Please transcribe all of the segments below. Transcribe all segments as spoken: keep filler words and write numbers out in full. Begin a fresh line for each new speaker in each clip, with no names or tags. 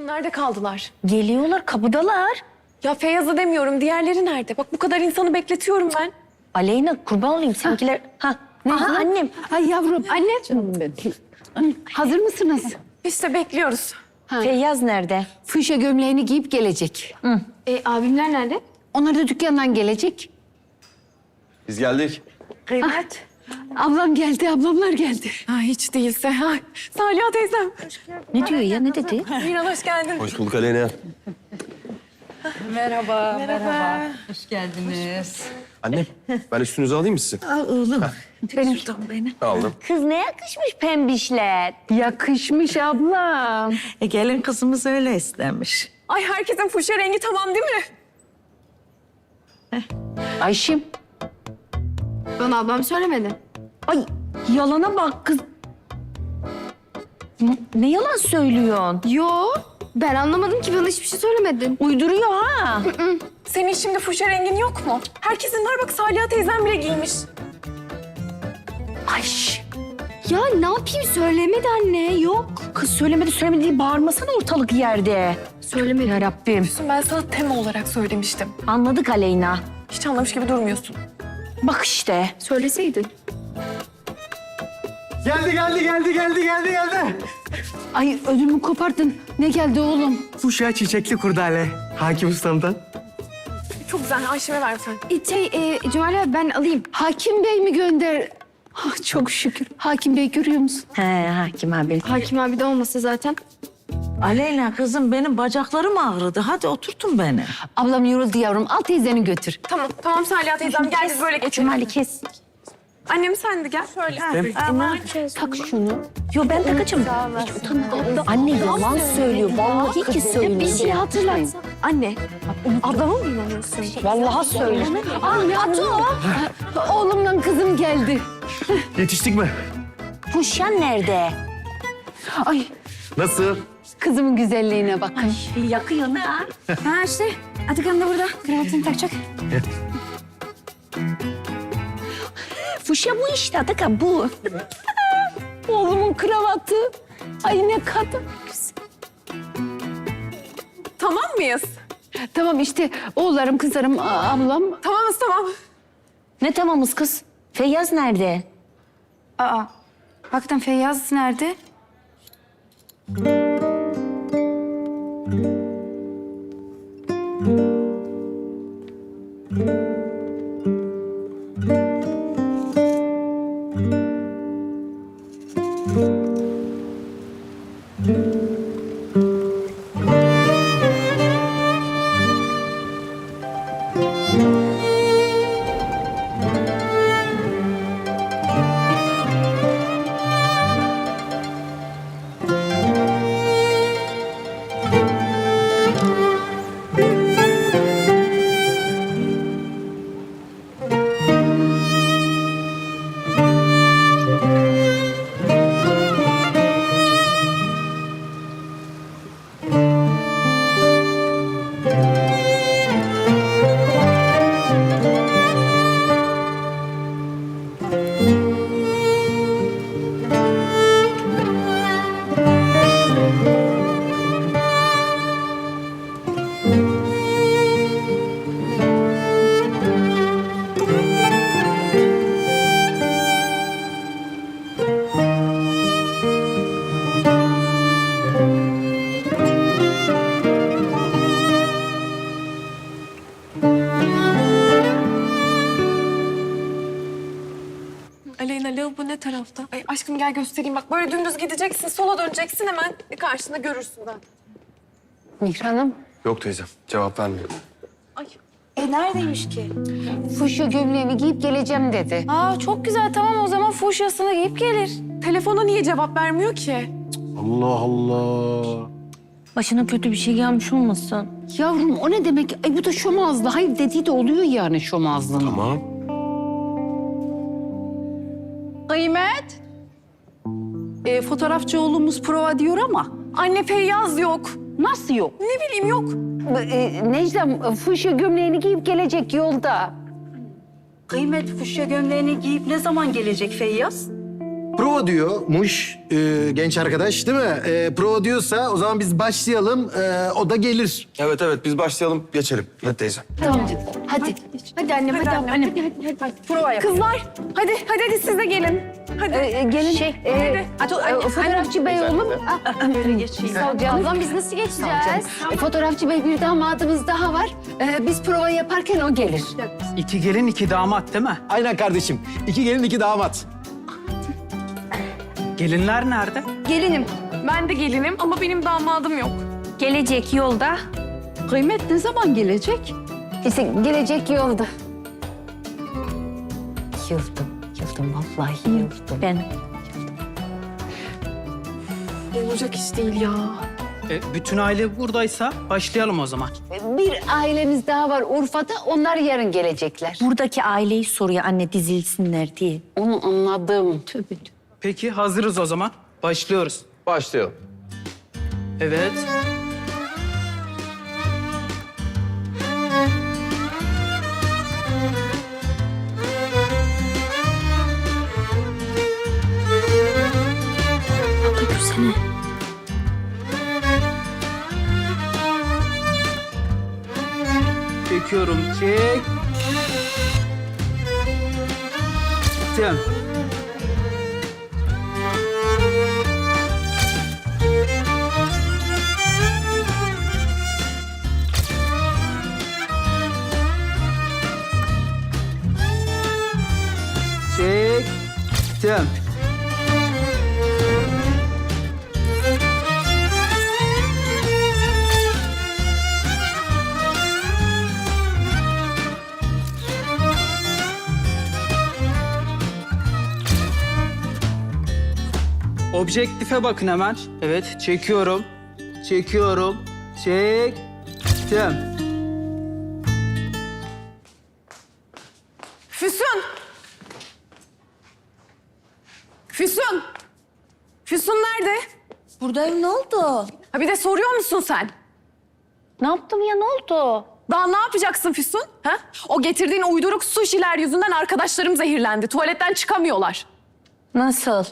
nerede kaldılar?
Geliyorlar, kapıdalar.
Ya Feyyaz'ı demiyorum, diğerleri nerede? Bak bu kadar insanı bekletiyorum ben.
Aleyna kurban olayım seninkiler. Ha, ne
Aha,
annem?
Ay yavrum.
Anne.
Canım benim. Hazır mısınız?
İşte bekliyoruz.
Ha.
Feyyaz nerede?
Fuşya gömleğini giyip gelecek.
E, abimler nerede?
Onlar da dükkandan gelecek.
Biz geldik.
Kıymet.
Ablam geldi, ablamlar geldi.
Ha, hiç değilse. Ha, Saliha teyzem.
Ne diyor ya, ne dedi?
Miran hoş geldin.
Hoş bulduk Aleyna.
Merhaba, merhaba, Hoş geldiniz.
Annem, ben üstünüzü alayım mı sizin?
Al oğlum. Benim. Şuradan beni.
Aldım.
Kız ne yakışmış pembişler.
Yakışmış ablam.
E, gelin kızımız öyle istemiş.
Ay herkesin fuşya rengi tamam değil mi?
Ayşim.
Bana ablam söylemedi.
Ay yalana bak kız. Ne, ne yalan söylüyorsun?
Yo, ben anlamadım ki, bana hiçbir şey söylemedin.
Uyduruyor ha.
Senin şimdi fuşya rengin yok mu? Herkesin var bak, Saliha teyzem bile giymiş.
Ay şş,
Ya ne yapayım, söylemedi anne, yok.
kız söylemedi söylemedi diye bağırmasana ortalık yerde.
Söylemedi.
Ya Rabbim.
Şimdi ben sana tema olarak söylemiştim.
Anladık Aleyna.
Hiç anlamış gibi durmuyorsun.
Bak işte.
Söyleseydin.
Geldi, geldi, geldi, geldi, geldi, geldi.
Ay ödümü kopardın. Ne geldi oğlum?
Fuşya çiçekli kurdale. Hakim ustamdan.
Çok güzel, Ayşem'e ver sen.
E, şey, e, Cemal abi ben alayım.
Hakim Bey mi gönder? Ah, çok şükür. Hakim Bey görüyor musun?
He hakim abi.
Hakim abi de olmasa zaten.
Aleyna kızım benim bacaklarım ağrıdı. Hadi oturtun beni.
Ablam yoruldu yavrum. Al teyzeni götür.
Tamam, tamam Saliha teyzem. Gel biz böyle geçelim.
Cumali kes.
Annem sen de gel. Şöyle.
Tak şunu. Yo ben takacağım. Hiç utanmadan. Anne yalan söylüyor. Vallahi ki söylüyor.
Bir şey hatırlatsam. Anne, ablama mı inanıyorsun?
Vallahi söylüyor.
Ay Ato. Oğlumla kızım geldi.
Yetiştik mi?
Fuşyan nerede?
Ay
Nasıl?
kızımın güzelliğine bak.
Yakıyor ne ha?
Ha işte, Atakan da burada. Kravatını takacak.
Fuşya bu işte Atakan bu.
Oğlumun kravatı. Ay ne kadar güzel.
Tamam mıyız?
Tamam işte oğullarım, kızlarım, a- ablam.
Tamamız tamam.
Ne tamamız kız? Feyyaz nerede?
Aa, hakikaten Feyyaz nerede?
Aleyna lavabo ne tarafta? Ay aşkım gel göstereyim. Bak böyle dümdüz gideceksin. Sola döneceksin, hemen karşında görürsün ben.
Mihran'ım.
Yok teyzem, cevap vermiyor.
Ay.
E neredeymiş ki?
Fuşya gömleğini giyip geleceğim dedi.
Aa çok güzel, tamam o zaman fuşyasını giyip gelir.
Telefona niye cevap vermiyor ki?
Allah Allah.
Başına kötü bir şey gelmiş olmasın?
Yavrum o ne demek? Ay bu da şomazlı. Hayır dediği de oluyor yani şomazlığın.
Tamam.
Kıymet. E, fotoğrafçı oğlumuz prova diyor ama
Anne Feyyaz yok.
Nasıl yok?
Ne bileyim yok.
E, Necdem fuşya gömleğini giyip gelecek yolda.
Kıymet fuşya gömleğini giyip ne zaman gelecek Feyyaz?
prova diyormuş e, genç arkadaş değil mi? E, prova diyorsa o zaman biz başlayalım. E, o da gelir.
Evet evet biz başlayalım geçelim. Hadi teyzem.
Tamam. Hadi. Hadi annem, hadi,
annem.
annem. Hadi, hadi, hadi.
Prova yap.
Kızlar hadi hadi hadi siz de gelin. Hadi.
Ee, gelin. Şey, e, e, fotoğrafçı bey oğlum.
Böyle geçeyim. Ablam biz nasıl geçeceğiz?
E, fotoğrafçı bey bir damadımız daha var. Ee, biz prova yaparken o gelir.
İki gelin iki damat değil mi?
Aynen kardeşim. İki gelin iki damat.
Gelinler nerede?
Gelinim.
Ben de gelinim ama benim damadım yok.
Gelecek yolda.
Kıymet ne zaman gelecek?
İşte gelecek yolda. Yıldım, yıldım. Vallahi yıldım. Ben
Olacak iş değil ya.
E, bütün aile buradaysa başlayalım o zaman.
bir ailemiz daha var Urfa'da. Onlar yarın gelecekler. Buradaki aileyi soruyor anne dizilsinler diye. Onu anladım. Tövbe.
Peki hazırız o zaman. Başlıyoruz.
Başlayalım.
Evet.
Öpürsene.
Çekiyorum. Çek. Tamam. Çektim. Objektife bakın hemen. Evet, çekiyorum. Çekiyorum. Çektim.
Füsun! Füsun! Füsun nerede?
Buradayım, ne oldu?
Ha bir de soruyor musun sen?
Ne yaptım ya, ne oldu?
Daha ne yapacaksın Füsun? Ha? O getirdiğin uyduruk suşiler yüzünden arkadaşlarım zehirlendi. Tuvaletten çıkamıyorlar.
Nasıl?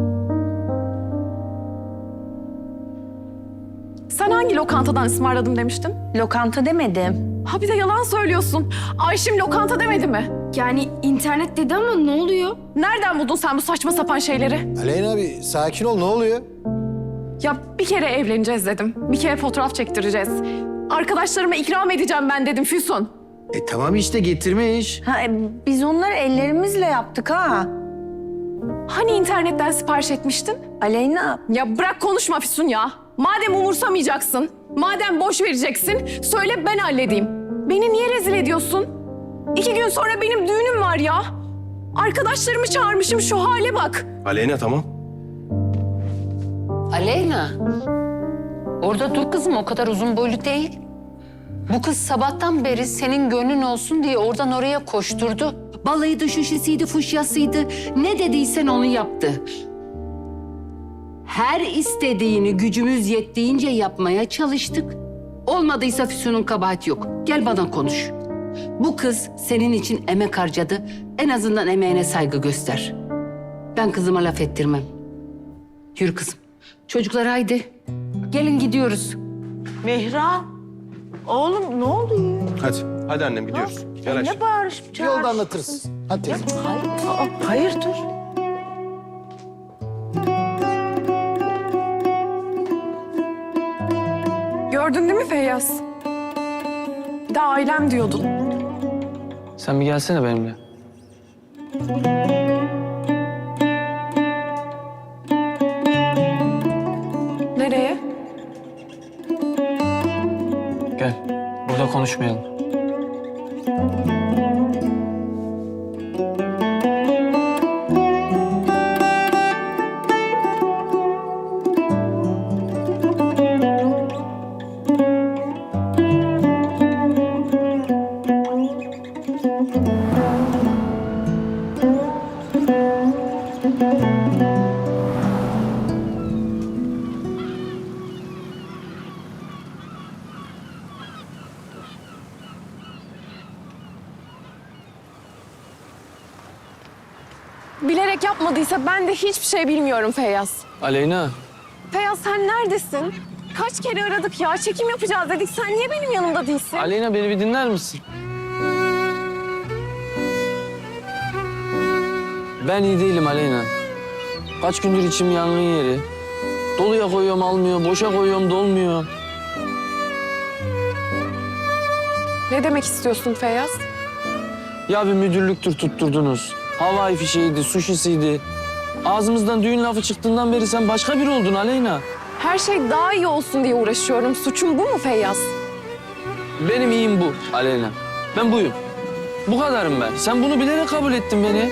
Sen hangi lokantadan ısmarladım demiştin?
Lokanta demedim.
Ha bir de yalan söylüyorsun. Ayşim lokanta demedi mi?
Yani internet dedi ama ne oluyor?
Nereden buldun sen bu saçma sapan şeyleri?
Aleyna abi sakin ol ne oluyor?
Ya bir kere evleneceğiz dedim. Bir kere fotoğraf çektireceğiz. Arkadaşlarıma ikram edeceğim ben dedim Füsun.
E tamam işte getirmiş.
Ha, e, biz onları ellerimizle yaptık ha.
Hani internetten sipariş etmiştin?
Aleyna,
Ya bırak konuşma Füsun ya. Madem umursamayacaksın, madem boş vereceksin, söyle ben halledeyim. Beni niye rezil ediyorsun? İki gün sonra benim düğünüm var ya. Arkadaşlarımı çağırmışım, şu hale bak.
Aleyna tamam.
Aleyna. Orada dur kızım, o kadar uzun boylu değil. Bu kız sabahtan beri senin gönlün olsun diye oradan oraya koşturdu. Balıydı, şuşesiydi, fuşyasıydı. Ne dediysen onu yaptı. Her istediğini gücümüz yettiğince yapmaya çalıştık. Olmadıysa Füsun'un kabahati yok. Gel bana konuş. Bu kız senin için emek harcadı. En azından emeğine saygı göster. Ben kızıma laf ettirmem. Yürü kızım. Çocuklar haydi. Gelin gidiyoruz.
Mihran, oğlum ne oluyor?
Hadi. Hadi annem gidiyoruz. Gel Ayşe.
Ne bağırışıp çağırışıp?
Yolda anlatırız. Hadi teyze.
Aa, hayırdır?
Gördün değil mi Feyyaz? Bir de ailem diyordun.
Sen bir gelsene benimle.
Nereye?
Gel. Burada konuşmayalım.
bilerek yapmadıysa ben de hiçbir şey bilmiyorum Feyyaz.
Aleyna,
Feyyaz sen neredesin? Kaç kere aradık ya, çekim yapacağız dedik. Sen niye benim yanımda değilsin?
Aleyna beni bir dinler misin? Ben iyi değilim Aleyna. Kaç gündür içim yangın yeri. Doluya koyuyorum almıyor, boşa koyuyorum dolmuyor.
Ne demek istiyorsun Feyyaz?
Ya bir müdürlüktür tutturdunuz. Havai fişeğiydi, suşisiydi. Ağzımızdan düğün lafı çıktığından beri sen başka biri oldun Aleyna.
Her şey daha iyi olsun diye uğraşıyorum. Suçum bu mu Feyyaz?
Benim iyiyim bu Aleyna. Ben buyum. Bu kadarım ben. Sen bunu bilerek kabul ettin beni.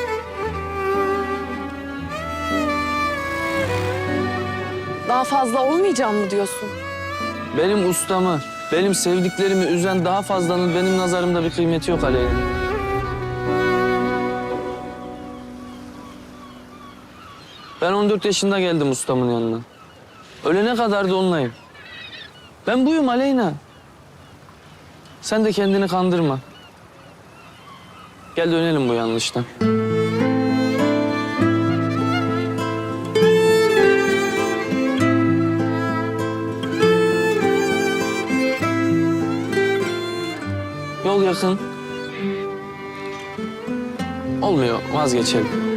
Daha fazla olmayacağım mı diyorsun?
Benim ustamı, benim sevdiklerimi üzen daha fazlanın benim nazarımda bir kıymeti yok Aleyna. Ben on dört yaşında geldim ustamın yanına. Ölene kadar da onunlayım. Ben buyum Aleyna. Sen de kendini kandırma. Gel dönelim bu yanlıştan. Yol yakın. Olmuyor, vazgeçelim.